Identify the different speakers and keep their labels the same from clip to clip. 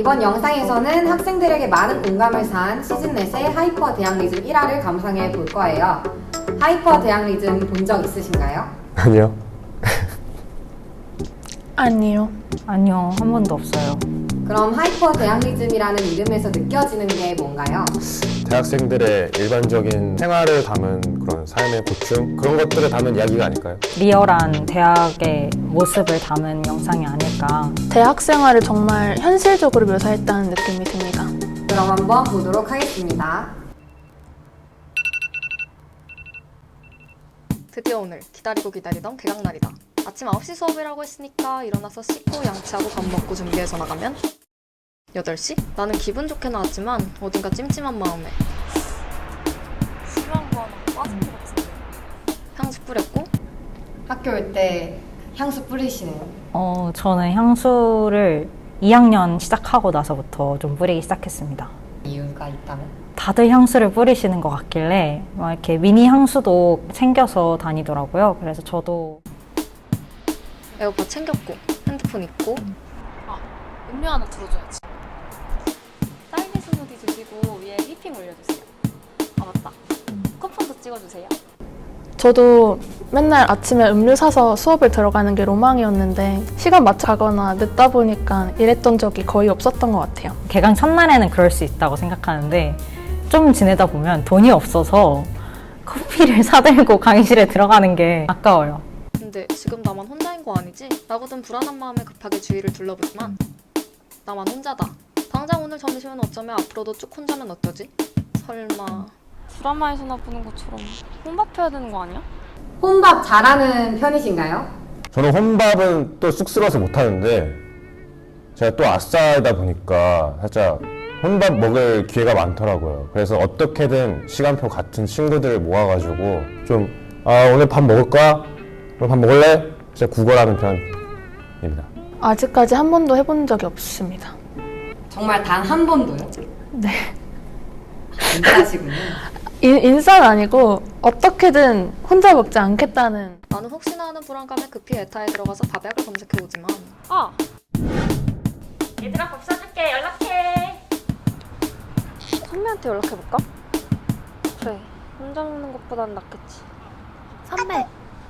Speaker 1: 이번 영상에서는 학생들에게 많은 공감을 산 시즌넷의 하이퍼 대항리즘 1화를 감상해 볼 거예요. 하이퍼 대항리즘 본 적 있으신가요?
Speaker 2: 아니요.
Speaker 3: 아니요.
Speaker 4: 아니요, 한 번도 없어요.
Speaker 1: 그럼 하이퍼 대항리즘이라는 이름에서 느껴지는 게 뭔가요?
Speaker 2: 대학생들의 일반적인 생활을 담은 그런 삶의 고충 그런 것들을 담은 이야기가 아닐까요?
Speaker 4: 리얼한 대학의 모습을 담은 영상이 아닐까.
Speaker 3: 대학 생활을 정말 현실적으로 묘사했다는 느낌이 듭니다.
Speaker 1: 그럼 한번 보도록 하겠습니다.
Speaker 5: 드디어 오늘 기다리고 기다리던 개강날이다. 아침 9시 수업이라고 했으니까 일어나서 씻고 양치하고 밥 먹고 준비해서 나가면 8시? 나는 기분 좋게 나왔지만 어딘가 찜찜한 마음에
Speaker 3: 심한 거 하나 빠진 것 같은데.
Speaker 5: 향수 뿌렸고
Speaker 1: 학교 올 때 향수 뿌리시네요.
Speaker 4: 저는 향수를 2학년 시작하고 나서부터 좀 뿌리기 시작했습니다.
Speaker 1: 이유가 있다면?
Speaker 4: 다들 향수를 뿌리시는 것 같길래 막 이렇게 미니 향수도 챙겨서 다니더라고요. 그래서 저도
Speaker 5: 에어팟 챙겼고 핸드폰 있고
Speaker 3: 음료 하나 들어줘야지.
Speaker 5: 딸기 스무디 드시고 위에 휘핑 올려주세요. 아 맞다. 쿠폰도 찍어주세요.
Speaker 3: 저도 맨날 아침에 음료 사서 수업을 들어가는 게 로망이었는데 시간 맞춰 가거나 늦다 보니까 이랬던 적이 거의 없었던 것 같아요.
Speaker 4: 개강 첫날에는 그럴 수 있다고 생각하는데 좀 지내다 보면 돈이 없어서 커피를 사들고 강의실에 들어가는 게 아까워요.
Speaker 5: 근데 지금 나만 혼자인 거 아니지? 라고든 불안한 마음에 급하게 주위를 둘러보지만 나만 혼자다. 당장 오늘 점심은 어쩌면 앞으로도 쭉 혼자면 어쩌지? 설마
Speaker 6: 드라마에서나 보는 것처럼 혼밥해야 되는 거 아니야?
Speaker 1: 혼밥 잘하는 편이신가요?
Speaker 2: 저는 혼밥은 또 쑥스러워서 못하는데 제가 또 아싸이다 보니까 살짝 혼밥 먹을 기회가 많더라고요. 그래서 어떻게든 시간표 같은 친구들을 모아가지고 좀 오늘 밥 먹을 거야? 오늘 밥 먹을래? 진짜 구걸하는 편입니다.
Speaker 3: 아직까지 한 번도 해본 적이 없습니다.
Speaker 1: 정말 단 한 번도요?
Speaker 3: 네.
Speaker 1: 인싸시군요.
Speaker 3: 인싸는 아니고 어떻게든 혼자 먹지 않겠다는.
Speaker 5: 나는 혹시나 하는 불안감에 급히 에타에 들어가서 밥약을 검색해오지만
Speaker 6: 얘들아 밥 사줄게 연락해. 선배한테 연락해볼까? 그래 혼자 먹는 것보단 낫겠지.
Speaker 3: 선배.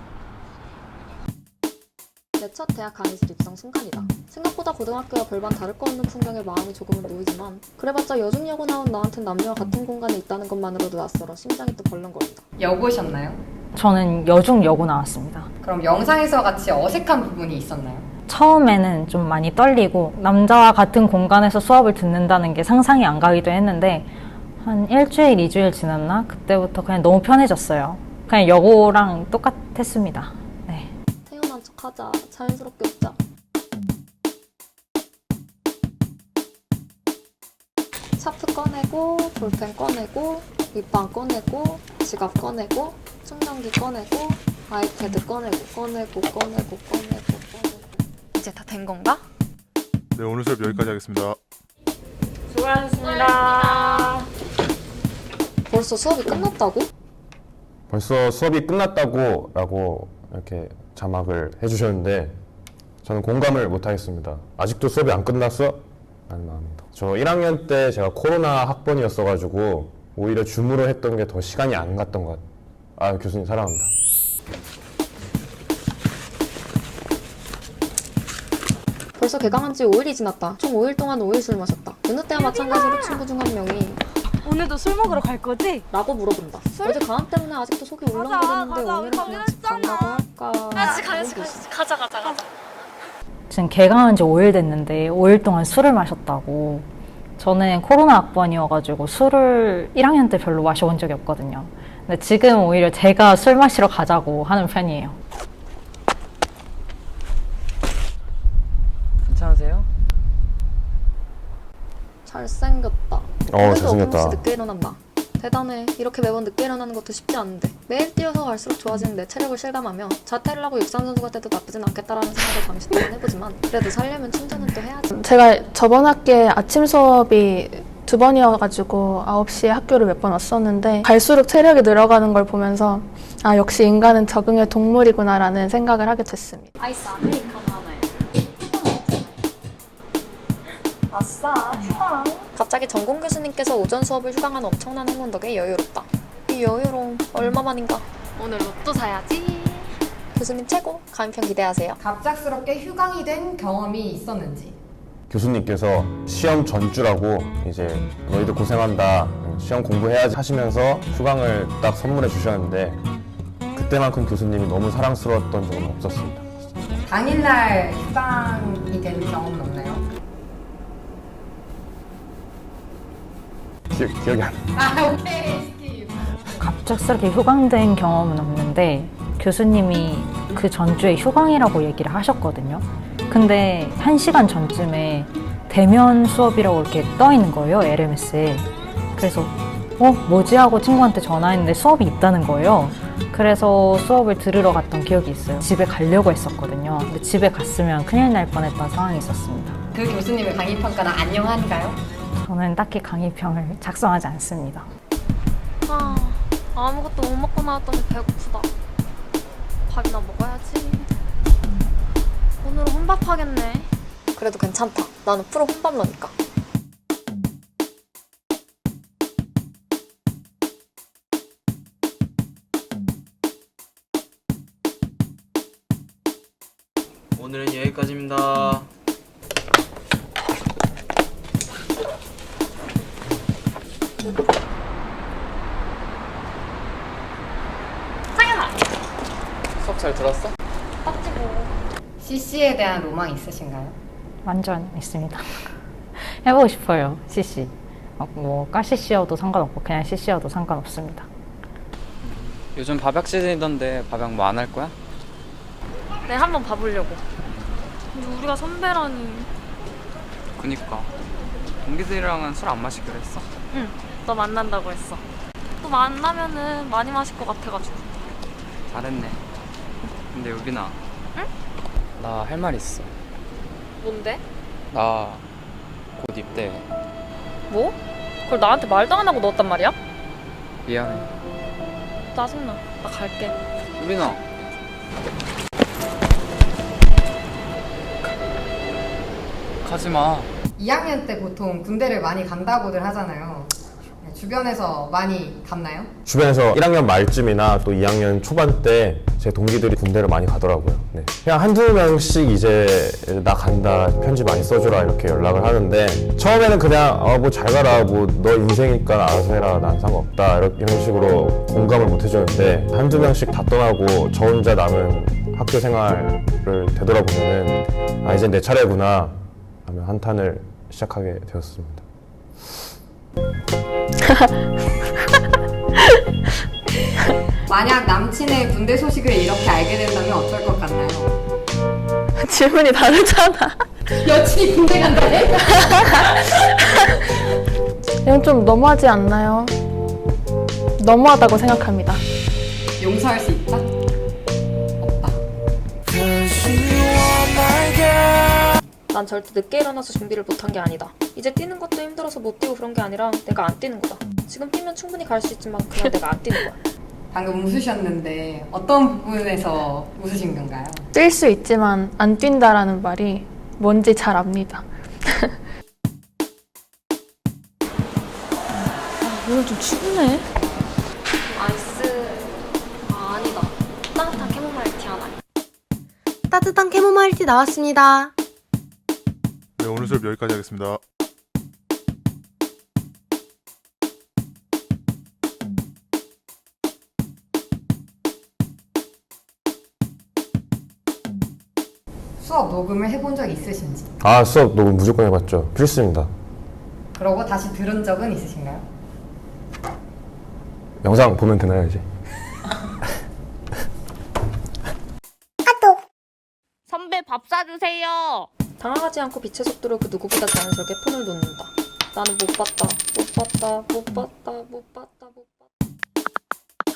Speaker 5: 내 첫 대학 강의실 입성 순간이다. 생각보다 고등학교와 별반 다를 거 없는 풍경에 마음이 조금은 놓이지만 그래봤자 여중여고 나온 나한텐 남녀와 같은 공간에 있다는 것만으로도 낯설어 심장이 또 벌렁거린다.
Speaker 1: 여고셨나요?
Speaker 4: 저는 여중 여고 나왔습니다.
Speaker 1: 그럼 영상에서 같이 어색한 부분이 있었나요?
Speaker 4: 처음에는 좀 많이 떨리고 남자와 같은 공간에서 수업을 듣는다는 게 상상이 안 가기도 했는데 한 일주일, 2주일 지났나? 그때부터 그냥 너무 편해졌어요. 그냥 여고랑 똑같았습니다. 네.
Speaker 5: 태어난 척하자. 자연스럽게 웃자. 차프 꺼내고 볼펜 꺼내고 립밤 꺼내고 지갑 꺼내고 충전기 꺼내고 아이패드 꺼내고 이제 다 된 건가?
Speaker 7: 네, 오늘 수업 여기까지 하겠습니다.
Speaker 6: 수고하셨습니다.
Speaker 5: 벌써 수업이 끝났다고?
Speaker 2: 벌써 수업이 끝났다고 라고 이렇게 자막을 해주셨는데 저는 공감을 못하겠습니다. 아직도 수업이 안 끝났어? 라는 마음입니다. 저 1학년 때 제가 코로나 학번이었어가지고 오히려 줌으로 했던 게 더 시간이 안 갔던 것 같아요. 교수님 사랑합니다.
Speaker 5: 벌써 개강한 지 5일이 지났다. 총 5일 동안 5일 술 마셨다. 어느 때와 마찬가지로 친구 중 한 명이
Speaker 6: 오늘도 술 먹으러 갈 거지?
Speaker 5: 라고 물어본다. 어제 강압 때문에 아직도 속이 울렁거리는데
Speaker 6: 가자.
Speaker 5: 오늘은 그냥 집 간다고 할까?
Speaker 6: 가자.
Speaker 4: 지금 개강한 지 5일 됐는데 5일 동안 술을 마셨다고. 저는 코로나 학번이어가지고 술을 1학년 때 별로 마셔본 적이 없거든요. 근데 지금 오히려 제가 술 마시러 가자고 하는 편이에요.
Speaker 8: 괜찮으세요?
Speaker 5: 잘생겼다. 그래도
Speaker 2: 잘생겼다.
Speaker 5: 어김없이 늦게 일어난다. 대단해. 이렇게 매번 늦게 일어나는 것도 쉽지 않은데 매일 뛰어서 갈수록 좋아지는 내 체력을 실감하며 자퇴를 하고 육상 선수가 돼도 나쁘진 않겠다라는 생각을 잠시 동안 해보지만 그래도 살려면 충전은 또 해야지.
Speaker 3: 제가 저번 학기에 아침 수업이 2번이어가지고 9시에 학교를 몇 번 왔었는데 갈수록 체력이 늘어가는 걸 보면서 역시 인간은 적응의 동물이구나 라는 생각을 하게 됐습니다.
Speaker 6: 아이스 아메리카노 하나요. 아싸, 휴방.
Speaker 5: 갑자기 전공 교수님께서 오전 수업을 휴강한 엄청난 행운 덕에 여유롭다. 이 여유로움 얼마만인가.
Speaker 6: 오늘 로또 사야지.
Speaker 5: 교수님 최고. 강의편 기대하세요.
Speaker 1: 갑작스럽게 휴강이 된 경험이 있었는지.
Speaker 2: 교수님께서 시험 전주라고 이제 너희들 고생한다, 시험 공부해야지 하시면서 휴강을 딱 선물해 주셨는데 그때만큼 교수님이 너무 사랑스러웠던 적은 없었습니다.
Speaker 1: 당일날 휴강이 된 경험은 없나요?
Speaker 2: 기억이 안 나요.
Speaker 1: 오케이.
Speaker 4: 갑작스럽게 휴강된 경험은 없는데 교수님이 그 전주에 휴강이라고 얘기를 하셨거든요. 근데 1시간 전쯤에 대면 수업이라고 이렇게 떠 있는 거예요, LMS에. 그래서 뭐지 하고 친구한테 전화했는데 수업이 있다는 거예요. 그래서 수업을 들으러 갔던 기억이 있어요. 집에 가려고 했었거든요. 근데 집에 갔으면 큰일 날 뻔했던 상황이 있었습니다.
Speaker 1: 그 교수님의 강의평가는 안녕한가요?
Speaker 4: 저는 딱히 강의평을 작성하지 않습니다.
Speaker 6: 아, 아무것도 못 먹고 나왔더니 배고프다. 밥이나 먹어야지. 오늘은 혼밥하겠네.
Speaker 5: 그래도 괜찮다. 나는 프로 혼밥러니까.
Speaker 8: 오늘은 여기까지입니다. 수업 잘 들었어?
Speaker 1: CC에 대한 로망 있으신가요?
Speaker 4: 완전 있습니다. 해보고 싶어요, CC. 과 CC여도 상관없고 그냥 CC여도 상관없습니다.
Speaker 8: 요즘 밥약 시즌이던데 밥약 뭐 안 할 거야?
Speaker 6: 네, 한번 봐보려고. 근데 우리가 선배라니.
Speaker 8: 그니까 동기들이랑은 술 안 마시기로 했어?
Speaker 6: 응, 너 만난다고 했어. 또 만나면은 많이 마실 것 같아가지고.
Speaker 8: 잘했네. 근데 유빈아,
Speaker 6: 응?
Speaker 8: 나 할 말 있어.
Speaker 6: 뭔데?
Speaker 8: 나 곧 입대해.
Speaker 6: 뭐? 그걸 나한테 말도 안 하고 넣었단 말이야?
Speaker 8: 미안해.
Speaker 6: 짜증나. 나 갈게.
Speaker 8: 유빈아, 가지 마.
Speaker 1: 2학년 때 보통 군대를 많이 간다고들 하잖아요. 주변에서 많이 갔나요?
Speaker 2: 주변에서 1학년 말쯤이나 또 2학년 초반 때 제 동기들이 군대를 많이 가더라고요. 네. 그냥 한두 명씩 이제 나 간다, 편지 많이 써주라 이렇게 연락을 하는데 처음에는 그냥 뭐 잘 가라, 뭐 너 인생이니까 알아서 해라, 난 상관없다 이런 식으로 공감을 못 해줬는데 한두 명씩 다 떠나고 저 혼자 남은 학교 생활을 되돌아보면은 아, 이제 내 차례구나 하며 한탄을 시작하게 되었습니다.
Speaker 1: 만약 남친의 군대 소식을 이렇게 알게 된다면 어떨 것 같나요?
Speaker 3: 질문이 다르잖아.
Speaker 1: 여친이 군대 간다네?
Speaker 3: 이건 좀 너무하지 않나요? 너무하다고 생각합니다.
Speaker 1: 용서할 수 있다? 없다.
Speaker 5: 난 절대 늦게 일어나서 준비를 못한 게 아니다. 이제 뛰는 것도 힘들어서 못 뛰고 그런 게 아니라 내가 안 뛰는 거다. 지금 뛰면 충분히 갈 수 있지만 그냥 내가 안 뛰는 거야.
Speaker 1: 방금 웃으셨는데 어떤 부분에서 웃으신 건가요?
Speaker 3: 뛸 수 있지만 안 뛴다라는 말이 뭔지 잘 압니다.
Speaker 6: 오늘 좀 춥네.
Speaker 5: 아이스... 아니다. 따뜻한 캐모마일티 하나.
Speaker 9: 따뜻한 캐모마일티 나왔습니다.
Speaker 7: 네, 오늘 수업 여기까지 하겠습니다.
Speaker 1: 수업 녹음을 해본 적 있으신지?
Speaker 2: 아, 수업 녹음 무조건 해봤죠. 필수입니다.
Speaker 1: 그러고 다시 들은 적은 있으신가요?
Speaker 2: 영상 보면 되나요, 이제?
Speaker 6: 선배 밥 사주세요.
Speaker 5: 당황하지 않고 빛의 속도로 그 누구보다 자연스럽게 폰을 놓는다. 나는 못 봤다. 못 봤다. 못 봤다. 못 봤다. 못 봤다.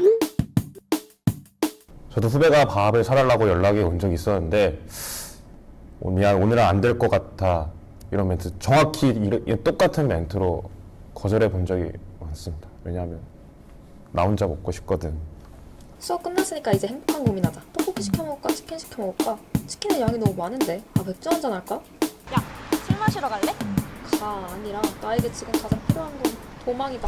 Speaker 2: 저도 후배가 밥을 사달라고 연락이 온 적이 있었는데 미안, 오늘은 안 될 것 같아 이런 멘트, 정확히 똑같은 멘트로 거절해 본 적이 많습니다. 왜냐하면 나 혼자 먹고 싶거든.
Speaker 5: 수업 끝났으니까 이제 행복한 고민하자. 떡볶이 시켜 먹을까? 치킨 시켜 먹을까? 치킨의 양이 너무 많은데. 아, 맥주 한잔 할까?
Speaker 6: 술 마시러 갈래?
Speaker 5: 다 아니라 나에게 지금 가장 필요한 건 도망이다.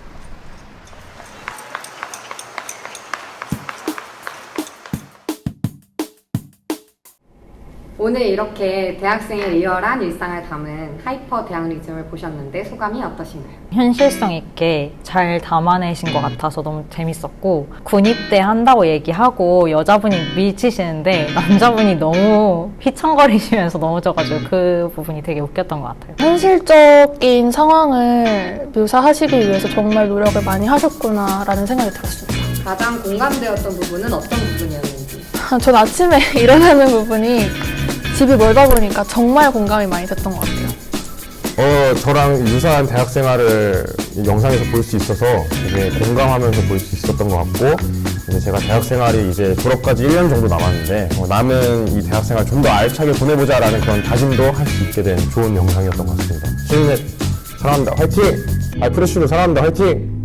Speaker 1: 오늘 이렇게 대학생의 리얼한 일상을 담은 하이퍼 대학리즘을 보셨는데 소감이 어떠신가요?
Speaker 4: 현실성 있게 잘 담아내신 것 같아서 너무 재밌었고 군입대 한다고 얘기하고 여자분이 미치시는데 남자분이 너무 휘청거리시면서 넘어져가지고 그 부분이 되게 웃겼던 것 같아요.
Speaker 3: 현실적인 상황을 묘사하시기 위해서 정말 노력을 많이 하셨구나라는 생각이 들었습니다.
Speaker 1: 가장 공감되었던 부분은 어떤 부분이었는지?
Speaker 3: 전 아침에 일어나는 부분이 집이 멀다 보니까 정말 공감이 많이 됐던 것 같아요.
Speaker 2: 저랑 유사한 대학 생활을 이 영상에서 볼 수 있어서 되게 공감하면서 볼 수 있었던 것 같고, 이제 제가 대학 생활이 이제 졸업까지 1년 정도 남았는데, 남은 이 대학 생활 좀 더 알차게 보내보자라는 그런 다짐도 할 수 있게 된 좋은 영상이었던 것 같습니다. 시즌넷 사랑합니다. 화이팅! 프레쉬도 사랑합니다. 화이팅!